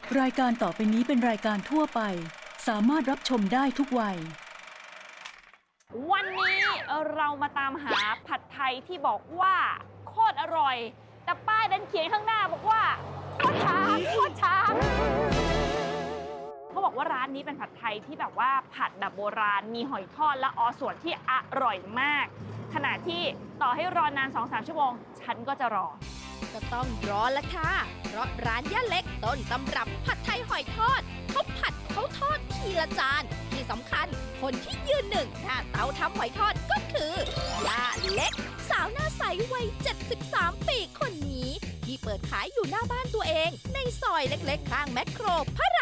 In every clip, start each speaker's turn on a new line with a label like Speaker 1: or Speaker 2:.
Speaker 1: รายการต่อไปนี้เป็นรายการทั่วไปสามารถรับชมได้ทุกวัย
Speaker 2: วันนี้เรามาตามหาผัดไทยที่บอกว่าโคตรอร่อยแต่ป้ายดันเขียนข้างหน้าบอกว่าโคตรช้าโคตรช้าเขาบอกว่าร้านนี้เป็นผัดไทยที่แบบว่าผัดแบบโบราณมีหอยทอดและอส่วนที่อร่อยมากขณะที่ต่อให้รอนาน 2-3 ชั่วโมงฉันก็จะรอ
Speaker 3: ก็ต้องรอละค่ะเพราะร้านย่าเล็กต้นตำรับผัดไทยหอยทอดเขาผัดเขาทอดทีละจานที่สำคัญคนที่ยืนหนึ่งหน้าเตาทำหอยทอดก็คือย่าเล็กสาวหน้าใสวัย73 ปีคนนี้ที่เปิดขายอยู่หน้าบ้านตัวเองในซอยเล็กๆข้างแมคโครพระราม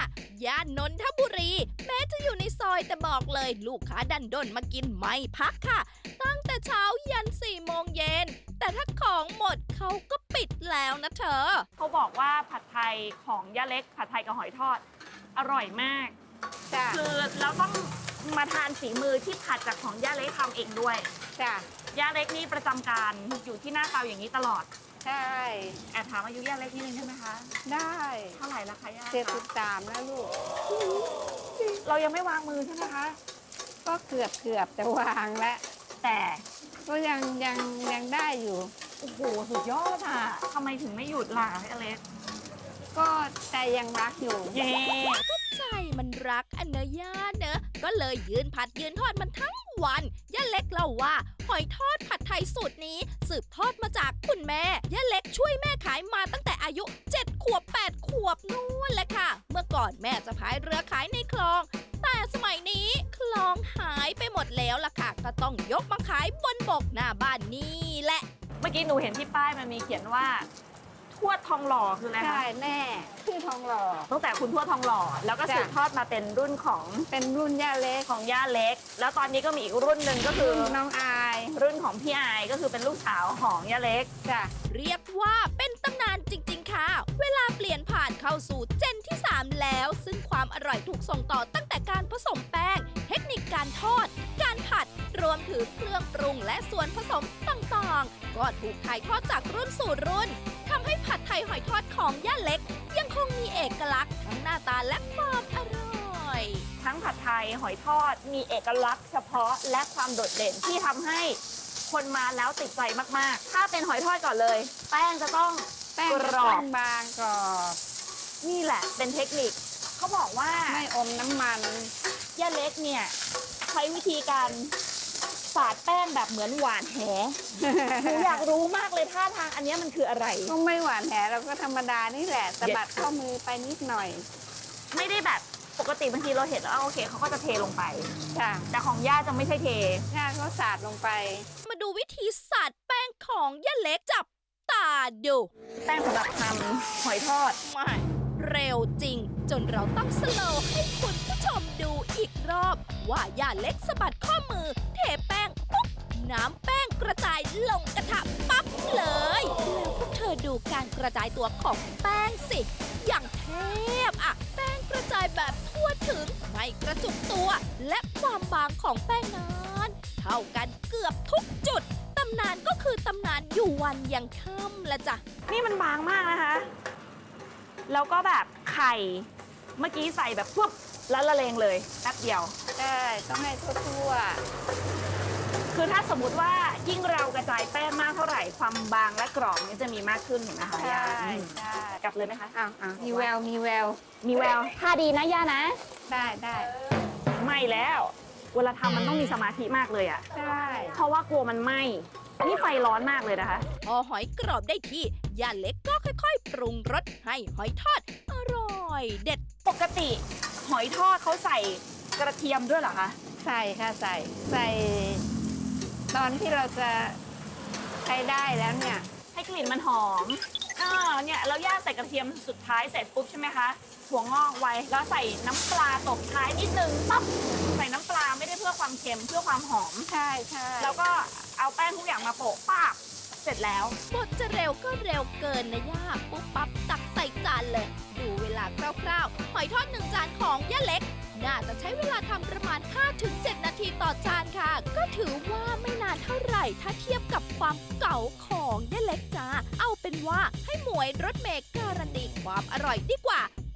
Speaker 3: 5 ย่านนนทบุรีแม้จะอยู่ในซอยแต่บอกเลยลูกค้าดันด้นมากินไม่พักค่ะตั้งแต่เช้ายัน 4 โมงเย็นแต่ถ้าของหมดเขาก็ปิดแล้วนะเธอ
Speaker 2: เขาบอกว่าผัดไทยของย่าเล็กผัดไทยกับหอยทอดอร่อยมากคือเราต้องมาทานฝีมือที่ผัดจากของย่าเล็กทำเองด้วย
Speaker 4: จ้ะ
Speaker 2: ย่าเล็กนี่ประจำการอยู่ที่หน้าเตาอย่างนี้ตลอด
Speaker 4: ใช่
Speaker 2: แอบถามอายุย่าเล็กนิดนึงได้ไหมคะ
Speaker 4: ได้
Speaker 2: เท่าไหร่ละคะย่า
Speaker 4: 73แล้วลูก
Speaker 2: เรายังไม่วางมือใช่ไหมคะ
Speaker 4: ก็เกือบจะวางแล้ว
Speaker 2: แต่
Speaker 4: ก็ยังได้อยู่
Speaker 2: โอ้โหสุดยอดอ่ะทำไมถึงไม่หยุดล่ะย่าเล็ก
Speaker 4: ก็ใจยังรักอยู่
Speaker 2: เย้
Speaker 3: ก็ใจมันรักอันเนย่าเนอะก็เลยยืนผัดยืนทอดมันทั้งวันย่าเล็กเล่าว่าหอยทอดผัดไทยสูตรนี้สืบทอดมาจากคุณแม่ย่าเล็กช่วยแม่ขายมาตั้งแต่อายุ7 ขวบ 8 ขวบนู่นแหละค่ะเมื่อก่อนแม่จะพายเรือขายในคลองแต่สมัยนี้คลองหายไปหมดแล้วล่ะค่ะก็ต้องยกมาขายบนบกหน้าบ้านนี่แหละ
Speaker 2: เมื่อกี้หนูเห็นที่ป้ายมันมีเขียนว่าทวดทองหล่อคืออะไรคะ
Speaker 4: ใช่แม่ชื่อทองหล่อ
Speaker 2: ตั้งแต่คุณทวดทองหล่อแล้วก็สืบทอดมาเป็นรุ่นของ
Speaker 4: เป็นรุ่นย่าเล็ก
Speaker 2: ของย่าเล็กแล้วตอนนี้ก็มีอีกรุ่นหนึ่งก็คือ
Speaker 4: น้องอาย
Speaker 2: รุ่นของพี่อายก็คือเป็นลูกสาวของย่าเล็ก
Speaker 4: จ้ะ
Speaker 3: เรียกว่าเป็นตำนานจริงๆค่ะเวลาเปลี่ยนผ่านเข้าสู่เจนที่ 3 แล้วซึ่งความอร่อยถูกส่งต่อตั้งแต่การผสมแป้งเทคนิคการทอดการผัดรวมถึงเครื่องปรุงและส่วนผสมต่างๆก็ถูกถ่ายทอดจากรุ่นสู่รุ่นทำให้ผัดไทยหอยทอดของย่าเล็กยังคงมีเอกลักษณ์ทั้งหน้าตาและความอร่อย
Speaker 2: ทั้งผัดไทยหอยทอดมีเอกลักษณ์เฉพาะและความโดดเด่นที่ทำให้คนมาแล้วติดใจมากๆถ้าเป็นหอยทอดก่อนเลยแป้งจะต้อง
Speaker 4: แป้งกรอบบางกรอบ
Speaker 2: นี่แหละเป็นเทคนิคเขาบอกว่า
Speaker 4: ไม่อมน้ำมัน
Speaker 2: ย่าเล็กเนี่ยใช้วิธีการสาดแป้งแบบเหมือนหวานแหหนูอยากรู้มากเลยท่าทางอันนี้มันคืออะไร
Speaker 4: ก็ไม่หวานแหเราก็ธรรมดานี่แหละสะบัดข้อมือไปนิดหน่อย
Speaker 2: ไม่ได้แบบปกติบางทีเราเห็นแล้วโอเคเขาก็จะเทลงไป
Speaker 4: ค่ะ
Speaker 2: แต่ของย่าจะไม่ใช่เท
Speaker 4: ย่าก็สาดลงไป
Speaker 3: มาดูวิธีสาดแป้งของย่าเล็กจับตาดู
Speaker 2: แป้งสำหรับทำหอยทอด
Speaker 3: ไม่เร็วจริงจนเราต้องสโลว์ให้คุณผู้ชมดูอีกรอบว่าย่าเล็กสะบัดข้อมือเทแป้งปุ๊บน้ำแป้งกระจายลงกระทะปั๊บเลยแล้วพวกเธอดูการกระจายตัวของแป้งสิอย่างเทพอะแป้งกระจายแบบทั่วถึงไม่กระจุกตัวและความบางของแป้งนั้นเท่ากันเกือบทุกจุดตำนานก็คือตำนานอยู่วันยังค่ำละจ้ะ
Speaker 2: นี่มันบางมากนะคะแล้วก็แบบไข่เมื่อกี้ใส่แบบปุ๊บแล้วละเลงเลยแป๊บเดียว
Speaker 4: ใช่ต้องให้ทั่ว
Speaker 2: คือถ้าสมมุติว่ายิ่งเรากระจายแป้งมากเท่าไหร่ความบางและกรอบนี้จะมีมากขึ้นเห็นไหมคะ
Speaker 4: ใช่ใช่
Speaker 2: กลับเลยไหมคะ
Speaker 4: มีแวว
Speaker 2: มีแววท่าดีนะย่านะ
Speaker 4: ได้
Speaker 2: ไม่แล้วเวลาทำมันต้องมีสมาธิมากเลยอ่ะ
Speaker 4: ใช่
Speaker 2: เพราะว่ากลัวมันไหม้นี่ไฟร้อนมากเลยนะคะ
Speaker 3: พอหอยกรอบได้ที่ย่าเล็กก็ค่อยๆปรุงรสให้หอยทอดอร่อยเด็ด
Speaker 2: ปกติหอยทอดเขาใส่กระเทียมด้วยเหรอคะ
Speaker 4: ใส่ค่ะใส่ตอนที่เราจะใช้ได้แล้วเนี่ย
Speaker 2: ให้กลิ่นมันหอมเนี่ยเราย่างใส่กระเทียมสุดท้ายเสร็จปุ๊บใช่ไหมคะถั่วงอกไว้แล้วใส่น้ำปลาตบท้ายนิดนึงปั๊บใส่น้ำปลาไม่ได้เพื่อความเค็มเพื่อความหอม
Speaker 4: ใช่
Speaker 2: แล้วก็เอาแป้งทุกอย่างมาโปะป้าบเสร็จแล้ว
Speaker 3: บดจะเร็วก็เร็วเกินนะย่าปุ๊บปั๊บตักใส่จานเลยดูเวลาคร่าวๆหอยทอด1 จานของย่าเล็กน่าจะใช้เวลาทำประมาณ 5-7 นาทีต่อจานค่ะก็ถือว่าไม่นานเท่าไหร่ถ้าเทียบกับความเก่าของย่าเล็กจ้าเอาเป็นว่าให้หมวยรถเมล์การันตีความอร่อยดีกว่า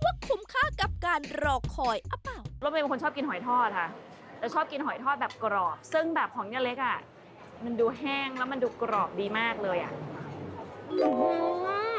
Speaker 3: ว่าคุ้มค่ากับการรอคอยอะเปล่า
Speaker 2: รถเมย์เป็นคนชอบกินหอยทอดค่ะแต่ชอบกินหอยทอดแบบกรอบ ซึ่งแบบของย่าเล็กอ่ะมันดูแห้งแล้วมันดูกรอบดีมากเลยอ่ะอื้อหือ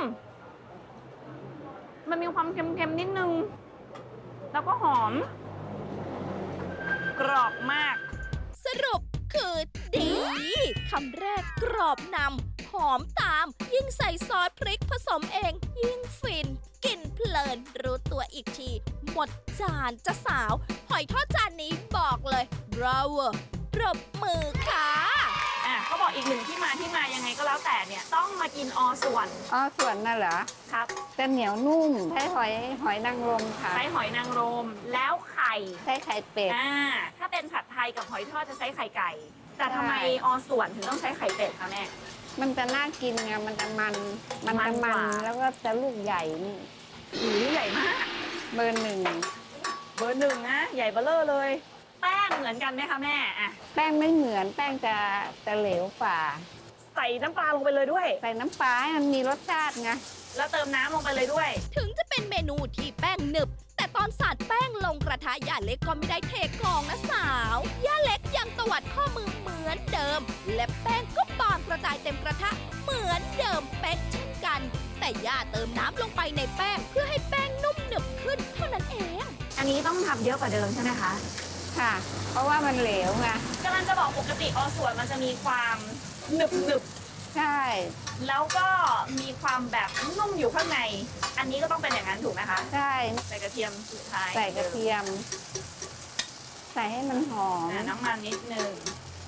Speaker 2: มันมีความเค็มๆนิดนึง แล้วก็หอม กรอบมาก
Speaker 3: สรุปคือดีคำแรกกรอบนำหอมตาม ยิ่งใส่ซอสพริกผสมเอง ยิ่งฟิน กินเพลิน รู้ตัวอีกที หมดจานจะสาว หอยทอดจานนี้บอกเลย bravo ปรบมือค่ะ
Speaker 2: เขาบอกอีกหนึ่งที่มายังไงก็แล้วแต่เนี่ยต้องมากินอส่วน
Speaker 4: อ๋อส่วนน่ะเหรอ
Speaker 2: ครับ
Speaker 4: จะเหนียวนุ่มใช้หอยนางรมค่ะ
Speaker 2: ใช้หอยนางรมแล้วไข่
Speaker 4: ใช้ไข่เป็ด
Speaker 2: ถ้าเป็นผัดไทยกับหอยทอดจะใช้ไข่ไก่ แต่ทำไม
Speaker 4: ใช่
Speaker 2: อส่วนถึงต้องใช้ไข่เป็ดคะแม่
Speaker 4: มันจะน่ากินไงมันจะมันจะ
Speaker 2: มันก
Speaker 4: มัน
Speaker 2: ว่า
Speaker 4: แล้วก็จะลูกใหญ่นี่
Speaker 2: หูใหญ่มาก
Speaker 4: เบอร์หนึ่ง
Speaker 2: เบอร์หนึ่งนะ ใหญ่เบ้อเร่อเลย แป้งเหมือนกันไหมคะแม่อะ
Speaker 4: แป้งไม่เหมือนแป้งจะเหลวฝ่า
Speaker 2: ใส่น้ำปลาลงไปเลยด้วย
Speaker 4: ใส่น้ำปลาให้มันมีรสชาติไง
Speaker 2: แล้วเติมน้ำลงไปเลยด้วย
Speaker 3: ถึงจะเป็นเมนูที่แป้งหนึบ แต่ตอนสาดแป้งลงกระทะย่าเล็กก็ไม่ได้เทกองนะสาวย่าเล็กยังตวัดข้อมือเหมือนเดิม และแป้งก็บานกระจายเต็มกระทะเหมือนเดิมเป๊ะเช่นกัน แต่ย่าเติมน้ำลงไปในแป้งเพื่อให้แป้งนุ่มหนึบขึ้นเท่านั้นเอง
Speaker 2: อันนี้ต้องทำเยอะกว่าเดิมใช่ไหมคะ
Speaker 4: ค่ะ เพราะว่ามันเหลวไง
Speaker 2: กำลังจะบอกปกติอส่วนมันจะมีความหนึบ
Speaker 4: ใช่
Speaker 2: ๆแล้วก็มีความแบบนุ่มอยู่ข้างใน อันนี้ก็ต้องเป็นอย่างนั้นถูกไหมคะ
Speaker 4: ใช่
Speaker 2: ใส่กระเทียมสุดท้าย
Speaker 4: ใส่กระเทียม ใส่ให้มันหอม
Speaker 2: น้ำมันนิดนึง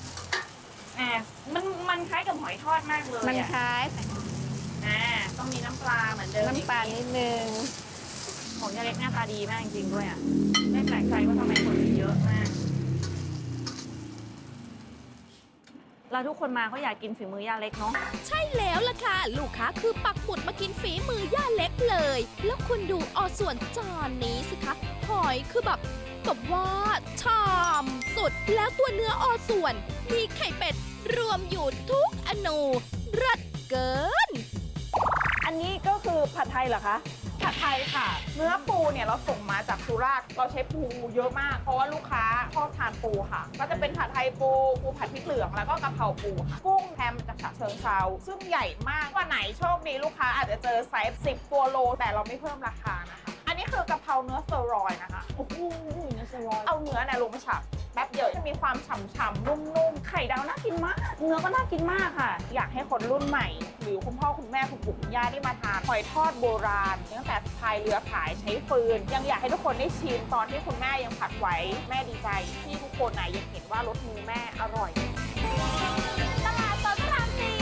Speaker 2: มันคล้ายกับหอยทอดมากเลย
Speaker 4: มัน
Speaker 2: อะ
Speaker 4: คล้าย
Speaker 2: ต้องมีน้ำปลาเหมือนเดิม
Speaker 4: น้ำปลานิดนึง
Speaker 2: ของยาเล็กหน้าตาดีมากจริงๆด้วยอ่ะไม่แปลกใจว่าทำไมคนถึงเยอะมาก แล้วทุกคนมาเขาอยากกินฝีมือยาเล็กเนาะ
Speaker 3: ใช่แล้วล่ะค่ะ ลูกค้าคือปักหมุดมากินฝีมือย่าเล็กเลย แล้วคุณดูส่วนจานนี้สิคะ หอยคือแบบว่าชามสุด แล้วตัวเนื้อส่วน มีไข่เป็ดรวมอยู่ทุกอนูรัดเกิน
Speaker 2: อันนี้ก็คือผัดไทยเหรอคะ
Speaker 5: ผัดไทยค่ะ เนื้อปูเนี่ยเราส่งมาจากสุราษฎร์เราใช้ปูเยอะมาก เพราะว่าลูกค้าชอบทานปูค่ะ ก็จะเป็นผัดไทยปูผัดพริกเหลืองแล้วก็กะเพราปูค่ะ กุ้งแฮมจากฉะเชิงเทราซึ่งใหญ่มากวันไหนโชคดีลูกค้าอาจจะเจอไซส์10 ตัวโล แต่เราไม่เพิ่มราคานะคะ อันนี้คือกะเพราเนื้อสเตอรอยด์นะคะ
Speaker 2: โอ้โหเนื้อสลอย
Speaker 5: เอาเนื้อเนี่ยลงไปฉับแป๊บเดียวจะมีความฉ่ำๆนุ่มๆ
Speaker 2: ไข่ดาวน่ากินมาก เนื้อก็น่ากินมากค่ะ
Speaker 5: อยากให้คนรุ่นใหม่ หรือคุณพ่อคุณแม่คุณปู่คุณย่าได้มาทานหอยทอดโบราณตั้งแต่พายเรือขายใช้ฟืน ยังอยากให้ทุกคนได้ชิมตอนที่คุณแม่ยังผัดไว้แม่ดีใจที่ทุกคนน่ะยังเห็นว่ารสมือแม่อร่อย
Speaker 2: ตลาดสดพระรามสี่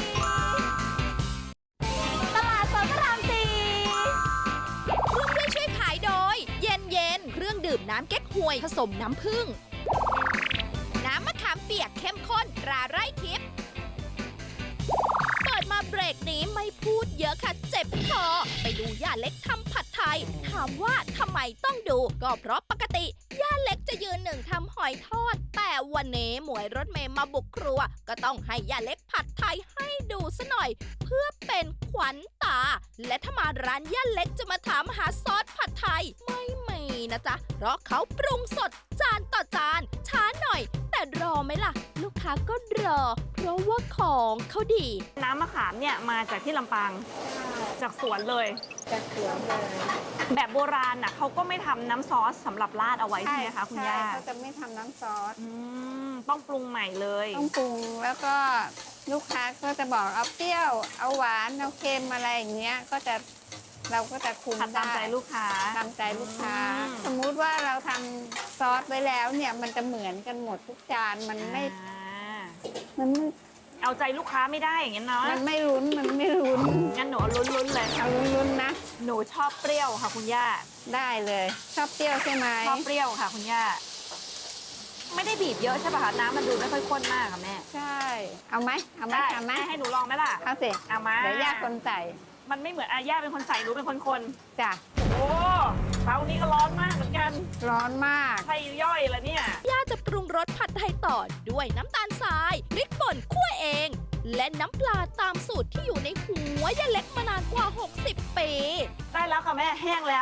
Speaker 2: ตลาดสดพระรามสี่
Speaker 3: ร่วมด้วยช่วยขายโดย เย็นเย็นเครื่องดื่มน้ำเก๊กฮวยผสมน้ำผึ้งน้ำมะขามเปียกเข้มข้นตราไร่ทิพย์เปิดมาเบรกนี้ไม่พูดเยอะค่ะเจ็บคอไปดูย่าเล็กทำผัดไทย ถามว่าทำไมต้องดูก็เพราะปกติย่าเล็กจะยืนหนึ่งทำหอยทอด แต่วันนี้หมวยรถเมย์มาบุกครัว ก็ต้องให้ย่าเล็กผัดไทยให้ดูซะหน่อย เพื่อเป็นขวัญตา และถ้ามาร้านย่าเล็กจะมาถามหาซอสผัดไทยไม่มีนะจ๊ะ เพราะเขาปรุงสดจานต่อจาน ช้าหน่อย แต่รอไหมล่ะ ลูกค้าก็รอ เพราะว่าของเขาดี
Speaker 2: น้ำมะขามเนี่ยมาจากที่ลำปาง จากสวนเลย
Speaker 4: จากสวนเลย
Speaker 2: แบบโบราณน่ะเขาก็ไม่ทำน้ำซอสสำหรับราดเอาไว้ใช่ไหมคะคุณย่า
Speaker 4: ใช่เขาจะไม่ทำน้ำซอส
Speaker 2: ต้องปรุงใหม่เลย
Speaker 4: ต้องปรุงแล้วก็ลูกค้าก็จะบอกเอาเปรี้ยว เอาหวาน เอาเค็มอะไรอย่างเงี้ยก็จะเราก็จะคุม
Speaker 2: ผัดตามใจลูกค้า
Speaker 4: ตามใจลูกค้า
Speaker 2: อืม
Speaker 4: สมมุติว่าเราทำซอสไว้แล้วเนี่ยมันจะเหมือนกันหมดทุกจานมันไม่ มันไม่
Speaker 2: เอาใจลูกค้าไม่ได้อย่างนั้นเนาะ
Speaker 4: มันไม่ลุ้นมันไม่ลุ้น
Speaker 2: งั้นหนูเอาลุ้นๆเลย
Speaker 4: เอาลุ้นๆนะ
Speaker 2: หนูชอบเปรี้ยวค่ะคุณย่า
Speaker 4: ได้เลยชอบเปรี้ยวใช่ไหม
Speaker 2: ชอบเปรี้ยวค่ะคุณย่า ไม่ได้บีบเยอะใช่ป่ะคะน้ำมันดูไม่ค่อยข้นมากค่ะแม่
Speaker 4: ใช่ เอาไหมเอาไหม
Speaker 2: ได้
Speaker 4: เอาไหม
Speaker 2: ให้หนูลองไหมล่ะ
Speaker 4: เอาสิ
Speaker 2: เอามา
Speaker 4: เดี๋ยวย่าคนใส่
Speaker 2: มันไม่เหมือนย่าเป็นคนใส่หนูเป็นคนคน
Speaker 4: จ้ะ
Speaker 2: โอ้เตานี้ก็ร้อนมากเหมือนกัน
Speaker 4: ร้อนมาก
Speaker 2: ใช่ย่อยแล้วเนี่ย
Speaker 3: ย่าจะปรุงรสผัดไทยต่อด้วยน้ำตาลทรายพริกป่นคั่วเอง และน้ำปลาตามสูตรที่อยู่ในหัวย่าเล็กมานานกว่า 60 ปี
Speaker 2: ได้แล้วค่ะแม่แห้งแล้ว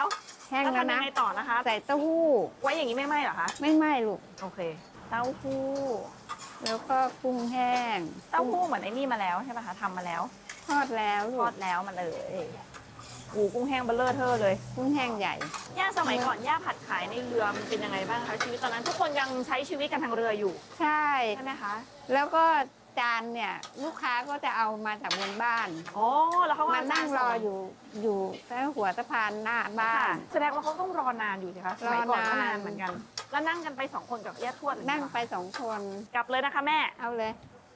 Speaker 4: แห้ง
Speaker 2: แล้ว
Speaker 4: แล้ว
Speaker 2: ทำยั
Speaker 4: นะ
Speaker 2: งไงต่อนะคะ
Speaker 4: ใส่เต้าหู้
Speaker 2: ไว้อย่างนี้ไม่ไหม้เหรอคะ
Speaker 4: ไม่ไหม้ลูก
Speaker 2: โอเค เต้าหู้
Speaker 4: แล้วก็กุ้งแห้ง
Speaker 2: เต้าหู้เหมือนไอ้นี่มาแล้วใช่ป่ะคะทำมาแล้ว
Speaker 4: ทอดแล้ว
Speaker 2: ท
Speaker 4: ลู
Speaker 2: อก ดแล้วมาเลยกุ้งแห้งเบลเลอร์เทอร์เลย
Speaker 4: กุ้งแห้งใหญ่
Speaker 2: ย่าสมัยก่อนย่าผัดขายในเรือมันเป็นยังไงบ้างคะชีวิตตอนนั้นทุกคนยังใช้ชีวิตกันทางเรืออยู่
Speaker 4: ใช่
Speaker 2: ใช่ไหมคะ
Speaker 4: แล้วก็จานเนี่ยลูกค้าก็จะเอามาจากบนบ้าน
Speaker 2: อ๋อแล้วเขาก็
Speaker 4: มานั่งรออยู่แถวหัวสะพานหน้าบ้า
Speaker 2: ค่ะ
Speaker 4: น
Speaker 2: แสดงว่าเขาต้องรอนานอยู่สิคะสมัยก่อนก็
Speaker 4: รอนาน
Speaker 2: นานเหมือนกัน แล้วนั่งกันไปสองคนกับย่าทวดหรือ
Speaker 4: นั่ง
Speaker 2: เปล่า
Speaker 4: ไป2 คน
Speaker 2: กลับเลยนะคะแม่
Speaker 4: เอาเลย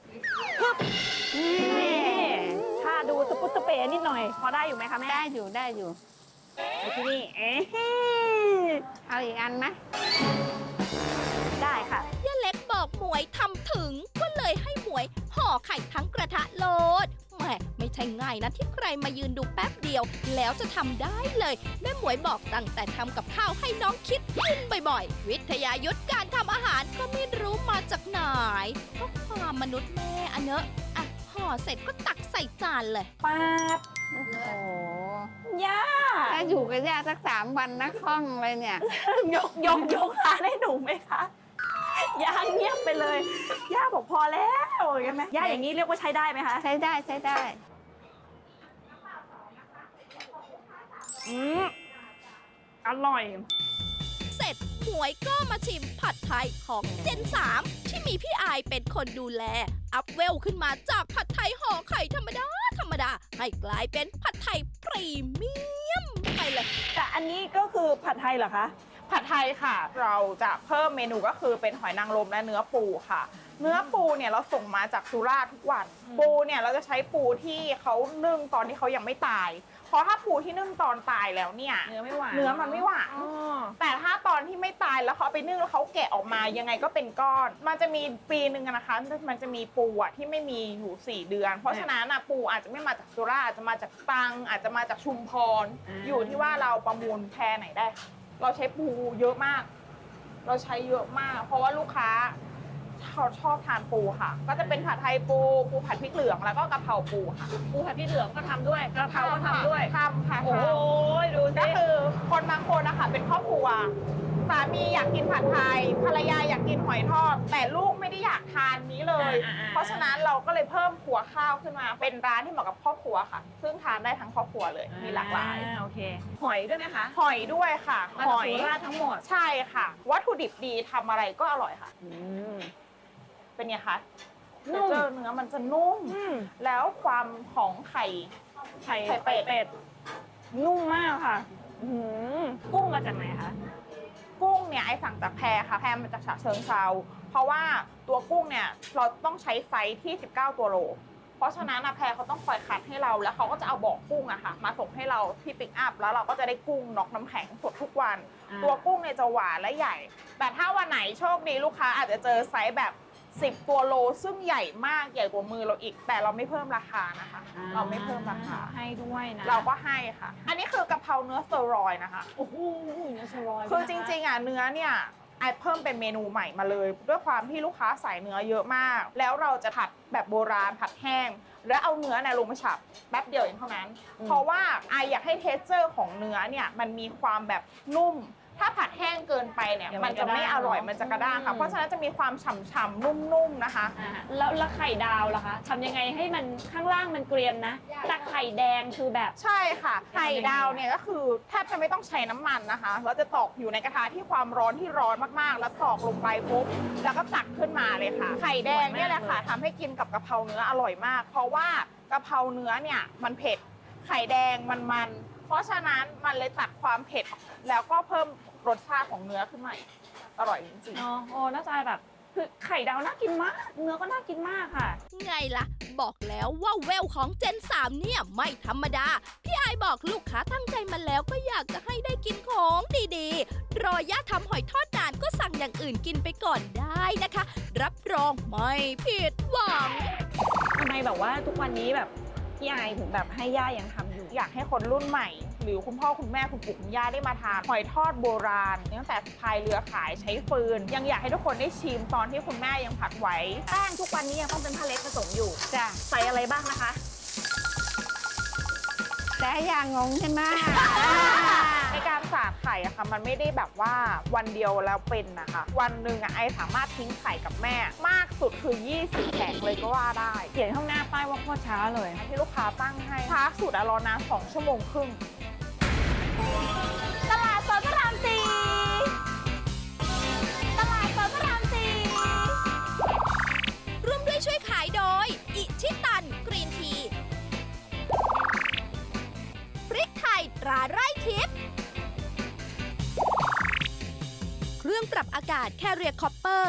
Speaker 2: นี่ถ้าดูตะปุตตะเป๋นิดหน่อย พอได้อยู่ไหมคะแม่
Speaker 4: ได้อยู่ได้อยู่
Speaker 2: ไอ้ที่นี่เอ๊ะ
Speaker 4: เอาอีกอันไหม
Speaker 2: ได้ค่ะ
Speaker 3: ย่าเล็กบอกหมวยทำถึง ก็เลยให้หมวยห่อไข่ทั้งกระทะโลดแหมไม่ใช่ง่ายนะที่ใครมายืนดูแป๊บเดียว แล้วจะทำได้เลยแม่หมวยบอกตั้งแต่ทำกับข้าวให้น้องคิดกินบ่อยๆ วิทยายุทธการทำอาหารก็ไม่รู้มาจากไหนเพราะความมนุษย์แม่อะเนอะอ่ะห่อเสร็จก็ตักใส่จานเลย
Speaker 2: ป๊าบ
Speaker 4: โอ้โห
Speaker 2: ย่า
Speaker 4: ถ้าอยู่กับย่าสัก3 วันนะคล่องเลยเนี่ย
Speaker 2: ยกร้านให้หนูไหมคะย่าเงียบไปเลย ย่าบอกพอแล้วอย่างนั้นไหมย่าอย่างนี้เรียกว่าใช้ได้ไหมคะ
Speaker 4: ใช้ได้ใช้ได้
Speaker 2: อืมอร่อย
Speaker 3: เสร็จหมวยก็มาชิมผัดไทยของเจน 3 ที่มีพี่อายเป็นคนดูแล อัพเวลขึ้นมาจากผัดไทยห่อไข่ธรรมดาให้กลายเป็นผัดไทยพรีเมียมไปเลย
Speaker 2: แต่อันนี้ก็คือผัดไทยเหรอคะ
Speaker 5: ผัดไทยค่ะ เราจะเพิ่มเมนูก็คือเป็นหอยนางรมและเนื้อปูค่ะ เนื้อปูเนี่ยเราส่งมาจากสุราษฎร์ทุกวัน ปูเนี่ยเราจะใช้ปูที่เขานึ่งตอนที่เขายังไม่ตาย เพราะถ้าปูที่นึ่งตอนตายแล้วเนี่ย
Speaker 2: เนื้อไม่หวาน
Speaker 5: เนื้อมันไม่หวาน
Speaker 2: อ๋อ
Speaker 5: แต่ถ้าตอนที่ไม่ตายแล้วเขาเอาไปนึ่งแล้วเขาแกะออกมายังไงก็เป็นก้อน มันจะมีปีหนึ่งอะนะคะ มันจะมีปูอะที่ไม่มีอยู่ 4 เดือน เพราะฉะนั้นอะปูอาจจะไม่มาจากสุราษฎร์อาจจะมาจากตรังอาจจะมาจากชุมพร อยู่ที่ว่าเราประมูลแพรไหนได้ค่ะเราใช้ปูเยอะมาก เราใช้เยอะมาก เพราะว่าลูกค้าเขาชอบทานปูค่ะ ก็จะเป็นผัดไทยปูผัดพริกเหลืองแล้วก็กะเพราปูค่ะ
Speaker 2: ปูผัดพริกเหลืองก็ทำด้วยกระเพราก็ทำด้วย
Speaker 5: ทำค่ะ
Speaker 2: โอ้ยดู
Speaker 5: ก็
Speaker 2: สิ
Speaker 5: คือคนบางคนนะคะเป็นครอบครัวสามีอยากกินผัดไทยภรรยาอยากกินหอยทอด แต่ลูกไม่ได้อยากทานนี้เลย เพราะฉะนั้นเราก็เลยเพิ่มครัวข้าวขึ้นมา เป็นร้านที่เหมาะกับครอบครัวค่ะ ซึ่งทานได้ทั้งครอบครัวเลย มีหลากหลาย
Speaker 2: โอเค หอยด้วยไหมคะ
Speaker 5: หอยด้วยค่ะ
Speaker 2: มา
Speaker 5: ห
Speaker 2: จาก
Speaker 5: อย
Speaker 2: สุราษฎร์ทั้งหมด
Speaker 5: ใช่ค่ะ วัตถุดิบดีทำอะไรก็อร่อยค่ะ เป็นไงคะ
Speaker 2: นุ่ม
Speaker 5: เจอเนื้อมันจะนุ่ม แล้วความของไข่
Speaker 2: ไข่
Speaker 5: ไข่เป็ด
Speaker 2: นุ่มมากค่ะกุ้งมาจากไหนคะ
Speaker 5: กุ้งเนี่ยไอสั่งจากแพรค่ะ แพรมาจากฉะเชิงเซาเพราะว่าตัวกุ้งเนี่ยเราต้องใช้ไซส์ที่ 19 ตัวโล เพราะฉะนั้นแพรเขาต้องคอยคัดให้เรา แล้วเขาก็จะเอาบ่อกุ้งอะค่ะ มาส่งให้เราที่ปิกอัพ แล้วเราก็จะได้กุ้งน็อกน้ำแข็งสดทุกวัน ตัวกุ้งเนี่ยจะหวานและใหญ่ แต่ถ้าวันไหนโชคดีลูกค้าอาจจะเจอไซส์แบบ 10 ตัวโล ซึ่งใหญ่มากใหญ่กว่ามือเราอีก แต่เราไม่เพิ่มราคานะคะ เราไม่เพิ่มราคา
Speaker 2: ให้ด้วยนะ
Speaker 5: เราก็ให้ค่ะ อันนี้คือกะเพราเนื้อสเตอรอยด์นะคะ
Speaker 2: โอ้โหเนื้อสลอย
Speaker 5: คือจริงๆอ่ะเนื้อเนี่ยไอเพิ่มเป็นเมนูใหม่มาเลย ด้วยความที่ลูกค้าใส่เนื้อเยอะมาก แล้วเราจะผัดแบบโบราณผัดแห้ง แล้วเอาเนื้อเนี่ยลงมาฉับแป๊บเดียวเองเท่านั้น เพราะว่าไออยากให้เทสเจอร์ของเนื้อเนี่ยมันมีความแบบนุ่ม ถ้าผัดแห้งเกินไปเนี่ยมันจะไม่อร่อยมันจะกระด้างค่ะเพราะฉะนั้นจะมีความฉ่ำๆนุ่มๆนะคะ
Speaker 2: แล้วไข่ดาวล่ะคะทำยังไงให้มันข้างล่างมันเกรียมนะ แต่ไข่แดงคือแบบ
Speaker 5: ใช่ค่ะไข่ดาวเนี่ยก็คือแทบจะไม่ต้องใช้น้ำมันนะคะเราจะตอกอยู่ในกระทะที่ความร้อนที่ร้อนมากๆ แล้วตอกลงไปปุ๊บแล้วก็ตักขึ้นมาเลยค่ะ ไข่แดงเนี่ยแหละค่ะทำให้กินกับกะเพราเนื้ออร่อยมาก เพราะว่ากะเพราเนื้อเนี่ยมันเผ็ดไข่แดงมันเพราะฉะนั้นมันเลยตัดความเผ็ดแล้วก็เพิ่มรสชาติของเนื้อขึ้นมาอีกอร่อยจริงๆ
Speaker 2: เนาะโอ้น่าจะแบบคือไข่ดาวน่ากินมาก เนื้อก็น่ากินมากค่ะ
Speaker 3: ไงล่ะ บอกแล้วว่าเวลของเจน 3 เนี่ยไม่ธรรมดา พี่ไอายบอกลูกค้าตั้งใจมาแล้วก็อยากจะให้ได้กินของดีๆ รอย่าทำหอยทอดนานก็สั่งอย่างอื่นกินไปก่อนได้นะคะ รับรองไม่ผิดหวัง
Speaker 2: ทำไมแบบว่าทุกวันนี้แบบพี่ไอถึงแบบให้ย่ายังทำอยู่
Speaker 5: อยากให้คนรุ่นใหม่ หรือคุณพ่อคุณแม่คุณปู่คุณย่าได้มาทานหอยทอดโบราณตั้งแต่พายเรือขายใช้ฟืน ยังอยากให้ทุกคนได้ชิมตอนที่คุณแม่ยังผัดไว้
Speaker 2: แป้งทุกวันนี้ยังต้องเป็นผ้าเล็กผสมอยู่
Speaker 4: จ้ะ
Speaker 2: ใส่อะไรบ้างนะคะ
Speaker 4: แต่อย่างงงใช่ไหม
Speaker 5: ในการใส่าดไข่อะค่ะมันไม่ได้แบบว่าวันเดียวแล้วเป็นนะคะวันหนึ่งอะไอสามารถทิ้งไข่กับแม่มากสุดคือ20แผงเลยก็ว่าได้
Speaker 2: เขียนข้างหน้าป้ายว่าโคตรช้าเลย
Speaker 5: ที่ลูกค้าตั้งให้ช้าสุดอะรอนาน2 ชั่วโมงครึ่ง
Speaker 2: ตลาดสดพระรามสี่ตลาดสดพระรามสี่
Speaker 3: ร่วมด้วยช่วยขายโดย อิชิตันกรีนที พริกไทยตราไร่ทิพย์เครื่องปรับอากาศCarrier Copper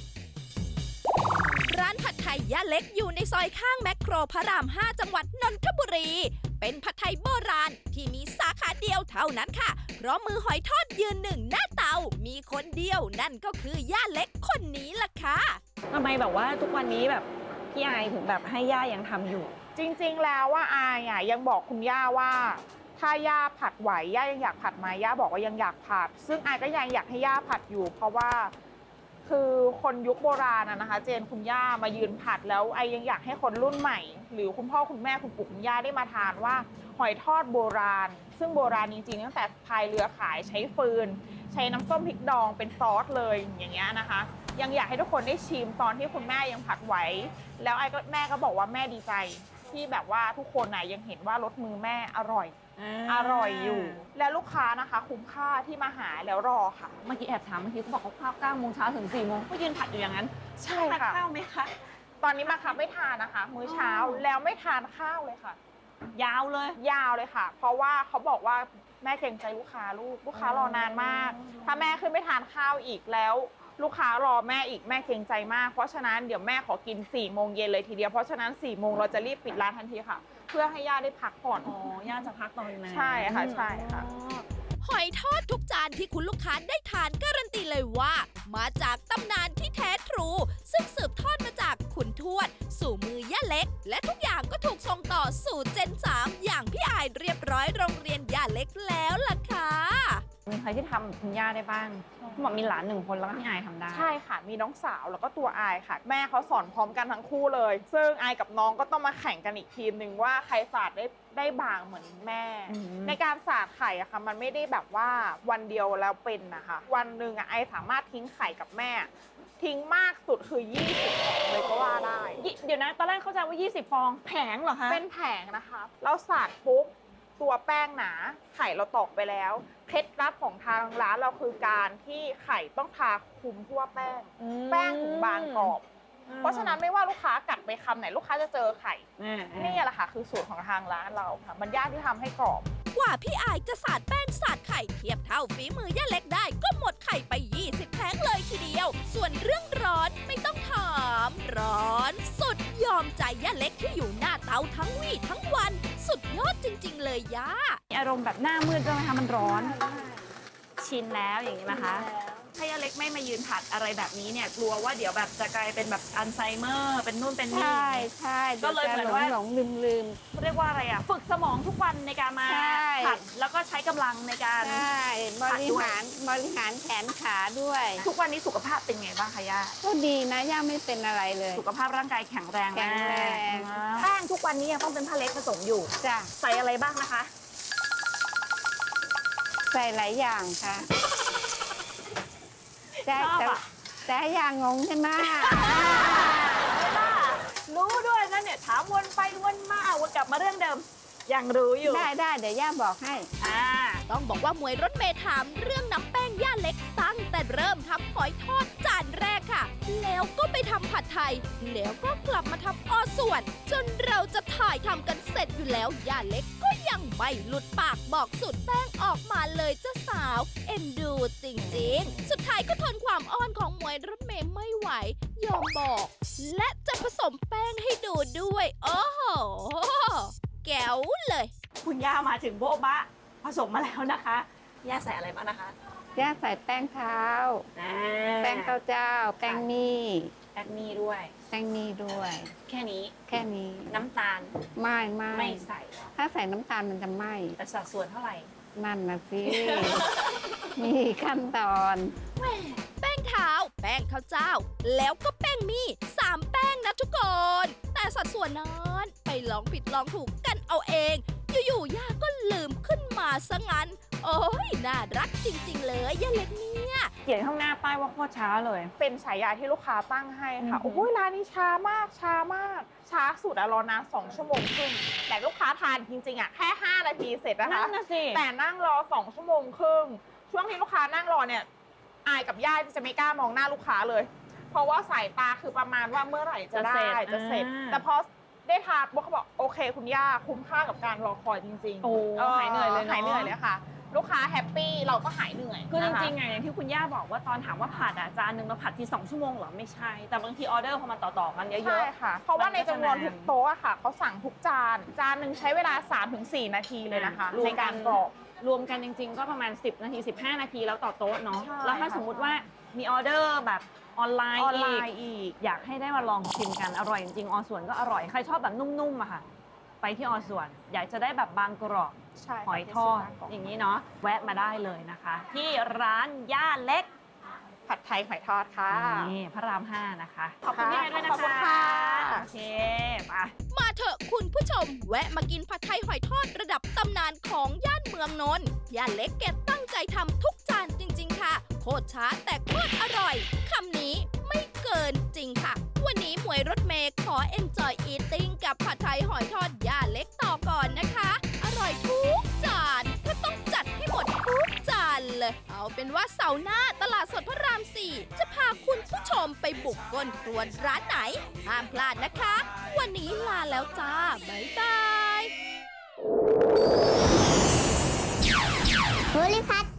Speaker 3: ร้านผัดไทยย่าเล็กอยู่ในซอยข้างแมคโครพระราม 5 จังหวัดนนทบุรี เป็นผัดไทยโบราณที่มีสาขาเดียวเท่านั้นค่ะ เพราะมือหอยทอดยืนหนึ่งหน้าเตา มีคนเดียวนั่นก็คือย่าเล็กคนนี้ล่ะค่ะ
Speaker 2: ทำไมแบบว่าทุกวันนี้แบบพี่ไอถึงแบบให้ย่ายังทำอยู่
Speaker 5: จริงๆแล้วว่าอายอะยังบอกคุณย่าว่า ถ้าย่าผัดไหวย่ายังอยากผัดไหมย่าบอกว่ายังอยากผัด ซึ่งอายก็ยังอยากให้ย่าผัดอยู่ เพราะว่าคือคนยุคโบราณนะคะ เจนคุณย่ามายืนผัดแล้วไอยังอยากให้คนรุ่นใหม่ หรือคุณพ่อคุณแม่คุณปู่คุณย่าได้มาทานว่าหอยทอดโบราณ ซึ่งโบราณจริงๆตั้งแต่พายเรือขายใช้ฟืน ใช้น้ำส้มพริกดองเป็นซอสเลยอย่างเงี้ยนะคะ ยังอยากให้ทุกคนได้ชิมตอนที่คุณแม่ยังผัดไหวแล้วแม่ก็บอกว่าแม่ดีใจ ที่แบบว่าทุกคนยังเห็นว่ารสมือแม่อร่อยอยู่ แล้วลูกค้านะคะคุ้มค่าที่มาหาแล้วรอค่ะ
Speaker 2: เมื่อกี้แอบถามเมื่อกี้เขาบอกเขาข้าว9 โมงเช้าถึง4 โมงก็ยืนผัดอยู่อย่างนั้น
Speaker 5: ใช่
Speaker 2: ทาน
Speaker 5: ค่ะ
Speaker 2: ข้าวไหมคะ
Speaker 5: ตอนนี้มาคับไม่ทานนะคะ มื้อเช้าแล้วไม่ทานข้าวเลยค่ะ
Speaker 2: ยาวเลย
Speaker 5: ยาวเลยค่ะ เพราะว่าเขาบอกว่าแม่เกรงใจลูกค้ารอนานมาก ถ้าแม่ขึ้นไม่ทานข้าวอีกแล้ว ลูกค้ารอแม่อีกแม่เกรงใจมาก เพราะฉะนั้นเดี๋ยวแม่ขอกิน4 โมงเย็นเลยทีเดียวเพราะฉะนั้น4 โมงเราจะรีบปิดร้านทันทีค่ะ เพื่อให้ย่าได้พักผ่อน
Speaker 2: อ๋อย่าจะพักตอนนั้น
Speaker 5: ใช่ค่ะใช่ค่ะ
Speaker 3: หอยทอดทุกจานที่คุณลูกค้าได้ทานการันตีเลยว่า มาจากตำนานที่แท้ทรู ซึ่งสืบทอดมาจากคุณทวด สู่มือย่าเล็ก และทุกอย่างก็ถูกส่งต่อสู่เจน 3 อย่างพี่อายเรียบร้อยโรงเรียนย่าเล็กแล้วล่ะค่ะ
Speaker 2: มีใครที่ทำคุณย่าได้บ้างเขาบอกมีหลาน1 คนแล้วก็พี่ไอทำได้
Speaker 5: ใช่ค่ะ มีน้องสาวแล้วก็ตัวอายค่ะ แม่เขาสอนพร้อมกันทั้งคู่เลย ซึ่งอายกับน้องก็ต้องมาแข่งกันอีกทีมหนึ่งว่าใครสาดได้บางเหมือนแม่ ในการสาดไข่อะค่ะมันไม่ได้แบบว่าวันเดียวแล้วเป็นนะคะ วันหนึ่งอะไอสามารถทิ้งไข่กับแม่ ทิ้งมากสุดคือ20แผงเลยก็ว่าได้
Speaker 2: เดี๋ยวนะตอนแรกเข้าใจว่า20 ฟองแผงเหรอคะ
Speaker 5: เป็นแผงนะคะเราสาดปุ๊บตัวแป้งหนาไข่เราตอกไปแล้วเคล็ดลับของทางร้านเราคือการที่ไข่ต้องทาคลุมทั่วแป้ง แป้งถึงบางกรอบ เพราะฉะนั้นไม่ว่าลูกค้ากัดไปคำไหนลูกค้าจะเจอไข่นี่แหละค่ะคือสูตรของทางร้านเราค่ะมันยากที่ทำให้กรอบ
Speaker 3: กว่าพี่อายจะสาดแป้งสาดไข่เทียบเท่าฝีมือย่าเล็กได้ก็หมดไข่ไป 20 แผงเลยทีเดียว ส่วนเรื่องร้อนไม่ต้องถามร้อนสุดยอมใจย่าเล็กที่อยู่หน้าเตาทั้งวี่ทั้งวัน สุดยอดจริงๆเลยย่า
Speaker 2: อารมณ์แบบหน้ามืดด้วยไหมคะมันร้อน ชินแล้วอย่างนี้นะคะ ถ้าย่าเล็กไม่มายืนผัดอะไรแบบนี้เนี่ยกลัวว่าเดี๋ยวแบบจะกลายเป็นแบบอัลไซเมอร์เป็นนู่นเป็นนี่
Speaker 4: ใช่ใช่
Speaker 2: ก็เลยเหมือนว่า
Speaker 4: หลงลืม
Speaker 2: เรียกว่าอะไรอ่ะฝึกสมองทุกวันในการมา
Speaker 4: ใช่
Speaker 2: ผัดแล้วก็ใช้กำลังในการ
Speaker 4: ใช่บริหารแขนขาด้วย
Speaker 2: ทุกวันนี้สุขภาพเป็นไงบ้างคะย่า
Speaker 4: ก็ดีนะย่าไม่เป็นอะไรเลย
Speaker 2: สุขภาพร่างกายแข็งแรง
Speaker 4: แข็งแรง
Speaker 2: แป้งทุกวันนี้ยังต้องเป็นผ้าเล็กผสมอยู่
Speaker 4: จ้ะ
Speaker 2: ใส่อะไรบ้างนะคะ
Speaker 4: ใส่หลายอย่างค่ะแต่
Speaker 2: ชอบอะ
Speaker 4: แต่อย่างงงใช่ไหม
Speaker 2: รู้ด้วยนะเนี่ยถามวนไปวนมาวนกลับมาเรื่องเดิม ยังรู้อยู่
Speaker 4: ได้เดี๋ยวย่าบอกให้
Speaker 3: ต้องบอกว่ามวยรถเมย์ถามเรื่องน้ำแป้งย่าเล็กตั้งแต่เริ่มทำหอยทอดจานแรกค่ะ แล้วก็ไปทำผัดไทย แล้วก็กลับมาทำอ้อส่วน จนเราจะถ่ายทำกันเสร็จอยู่แล้วย่าเล็กก็ยังไม่หลุดปากบอกสูตรแป้งออกมาเลยเจ้าสาว เอ็นดูจริงๆ สุดท้ายก็ทนความอ้อนของมวยรถเมย์ไม่ไหวยอมบอก และจะผสมแป้งให้ดูด้วย โอ้โหแก๋วเลย
Speaker 2: คุณย่ามาถึงโบ๊ะบะผสมมาแล้วนะคะ ย่าใส่อะไรบ้างนะคะ
Speaker 4: ย่าใส่แป้งเท้า แป้งข้าวเจ้า แป้งมี่
Speaker 2: แป้งมีด้วย
Speaker 4: แป้งมี่ด้วย
Speaker 2: แค่นี้
Speaker 4: แค่นี้
Speaker 2: น้ำตาล
Speaker 4: ไม่
Speaker 2: ไม่ใส่
Speaker 4: ถ้าใส่น้ำตาลมันจะไหม้
Speaker 2: แต่สัดส่วนเท่าไหร่
Speaker 4: นั่นนะสิ มีขั้นตอน
Speaker 3: แป้งเท้า แป้งข้าวเจ้า แล้วก็แป้งมี่3 แป้งนะทุกคน แต่สัดส่วนนั้นไปลองผิดลองถูกกันเอาเอง อยู่ๆย่าก็ลืมขึ้นมาซะงั้น โโอ้ยน่ารักจริงๆเลยย่าเล็กเนี่ย
Speaker 2: เขียนข้างหน้าป้ายว่าโคตรช้าเลย
Speaker 5: เป็นฉายาที่ลูกค้าตั้งให้ค่ะ
Speaker 2: อือหือ
Speaker 5: โอ้ยร้านนี้ช้ามากช้ามาก ช้าสุดอะรอนาน2 ชั่วโมงครึ่งแต่ลูกค้าทานจริงๆอะแค่5 นาทีเสร็จนะคะ
Speaker 2: นั่นน่ะสิ
Speaker 5: แต่นั่งรอ2 ชั่วโมงครึ่งช่วงที่ลูกค้านั่งรอเนี่ยอายกับย่าจะไม่กล้ามองหน้าลูกค้าเลย เพราะว่าสายตาคือประมาณว่าเมื่อไหร่จะได้จะเสร็จ แต่พอได้ทานปุ๊บเขาบอกโอเคคุณย่าคุ้มค่ากับการรอคอยจริงๆ
Speaker 2: โอ้หายเหนื่อยเลยเนอะ
Speaker 5: หายเหนื่อยเลยค่ะ ลูกค้าแฮปปี้เราก็หายเหนื่อย
Speaker 2: คือจ
Speaker 5: นะคะ
Speaker 2: ริงๆอะอย่างที่คุณย่าบอกว่าตอนถามว่าผัดอะจานหนึ่งเราผัดที2 ชั่วโมงเหรอไม่ใช่ แต่บางทีออเดอร์พอมันต่อๆกันเย
Speaker 5: ใช่
Speaker 2: อะ
Speaker 5: ค่ะ เพราะว่าในจำนวน
Speaker 2: มันก็จะนาน
Speaker 5: ทุกโต๊ะอะค่ะเขาสั่งทุกจานหนึ่งใช้เวลา 3-4 นาทีเลยนะคะ
Speaker 2: รว
Speaker 5: ใน
Speaker 2: มกั
Speaker 5: กาน รกรอก
Speaker 2: รวมกันจริงๆ ก็ประมาณ10 นาที 15 นาทีแล้วต่อโต๊ะเนาะ
Speaker 5: ใช่
Speaker 2: แล้วถ้า
Speaker 5: ค่ะ
Speaker 2: สมมุติว่ามีออเดอร์แบบออนไลน์
Speaker 5: ออนไล
Speaker 2: อีก
Speaker 5: น์อีก
Speaker 2: อยากให้ได้มาลองชิมกันอร่อยจริงๆอส่วนก็อร่อยใครชอบแบบนุ่มๆอะค่ะ ไปที่อส่วน อยากจะได้แบบบางกรอบ
Speaker 5: ใช่ค่ะ
Speaker 2: หอยทอดอย่างนี้เนาะแวะมาได้เลยนะคะ ที่ร้านย่าเล็ก
Speaker 5: ผัดไทยหอยทอดค่ะ
Speaker 2: นี่พระราม 5 นะคะ ขอบคุณพี่ไฮด้วยนะคะ
Speaker 5: ขอบคุณค่ะ
Speaker 2: โอเคไป
Speaker 3: มาเถอะคุณผู้ชม แวะมากินผัดไทยหอยทอดระดับตำนานของย่านเมืองนนท์ย่าเล็กแกตั้งใจทำทุกจานจริง ๆ ค่ะ โคตรช้าแต่โคตรอร่อยคำนี้ไม่เกินจริงค่ะ วันนี้หมวยรถเมย์ขอ enjoy eating กับผัดไทยหอยทอดย่าเล็กต่อก่อนนะคะ อร่อยทุกจานถ้าต้องจัดให้หมดทุกจานเลย เอาเป็นว่าเสาร์หน้าตลาดสดพระราม 4 จะพาคุณผู้ชมไปบุกก้นครัวร้านไหน ห้ามพลาดนะคะ วันนี้ลาแล้วจ้า บ๊ายบาย
Speaker 6: ภูริพัฒน์